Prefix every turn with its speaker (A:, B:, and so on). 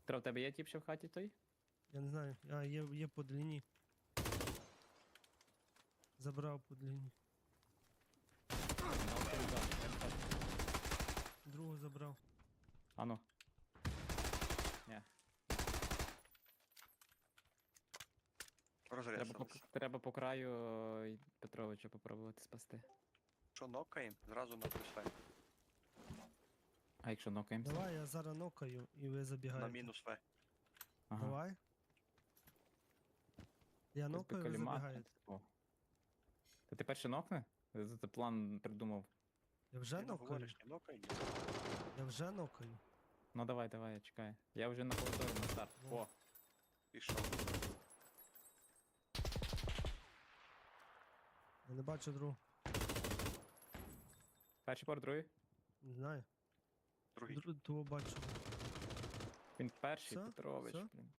A: Петро, в тебе є тіп ще в хаті той?
B: Я не знаю. А, є по длині. Забрав по длині. Другу забрав.
A: Ану. Ні.
C: Розряд.
A: Треба по краю Петровича попробувати спасти.
C: Що нокаємо, зразу на плюс
A: А якщо нокаємося?
B: Давай, я зараз нокаю і ви
C: на
B: забігаєте.
C: мінус В.
A: Ага.
B: Давай. Я
A: Ось би
B: нокаю, ви
A: калімат.
B: забігаєте.
A: О. Та ти перше нокне? Ти план придумав.
B: Я вже
C: Ти не
B: нокаю.
C: говориш, не нокаємо.
B: Я вже нокаю.
A: Ну давай, я чекаю. Я вже на повторі на старт.
B: Ну.
A: О,
C: Пішов.
B: Я не бачу другу.
A: перший пор, другий.
B: Не знаю.
C: Другий.
B: Того бачу.
A: Він перший,
B: Все?
A: Петрович,
B: Все?
A: блін.